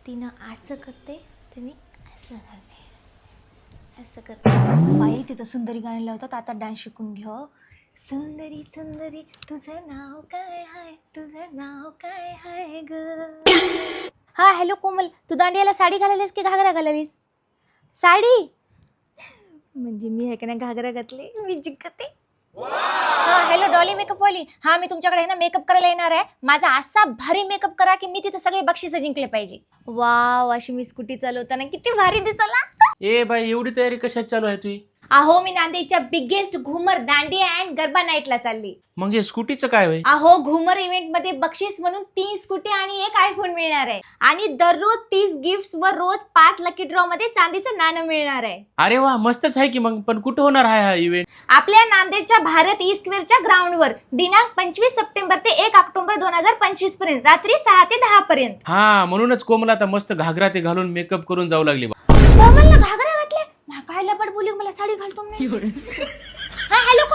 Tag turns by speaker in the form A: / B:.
A: तिनं असं करते तर मी असं करते, असं करते. बाई तिथं सुंदरी गाणी लावतात. आता डान्स शिकून घ्या. सुंदरी सुंदरी तुझं नाव काय आहे, तुझं नाव काय आहे ग. हा हॅलो कोमल, तू दांडियाला साडी घालालीस की घागरा घालालीस? साडी म्हणजे मी हे का नाही घागरा घातली, मी जिंकते. हा हॅलो डॉली मेकअप वाली, हा मी तुमच्याकडे आहे ना मेकअप करायला येणार आहे. माझा असा भारी मेकअप करा की मी तिथे सगळे बक्षीस जिंकले पाहिजे. वाव, अशी मी स्कूटी चालवताना किती भारी दिसला.
B: ए बाई, एवढी तयारी कशात चालू आहे तुझी?
A: अहो मी नांदेडच्या बिगेस्ट घुमर दांडिया अँड गरबा नाईटला चालली.
B: मग हे स्कूटीचं काय होय?
A: अहो घुमर इव्हेंट मध्ये बक्षीस म्हणून 3 स्कूटी आणि 1 आयफोन मिळणार आहे. आणि दररोज 30 गिफ्ट्स व रोज 5 लकी ड्रॉ मध्ये चांदीचं नाणं मिळणार आहे.
B: अरे वा, मस्तच आहे की. मग पण कुठं होणार आहे हा इव्हेंट?
A: आपल्या नांदेडच्या भारत ई स्क्वेअरच्या ग्राउंडवर दिनांक 25 सप्टेंबर ते 1 ऑक्टोबर 2025 पर्यंत रात्री 6 ते 10 पर्यंत.
B: हा, म्हणूनच कोमला आता मस्त घागरा ते घालून मेकअप करून जाऊ लागली.
A: कोमलला घागरा घातले, काय लपड बोलू, मला साडी घालतो मी. हा हॅलो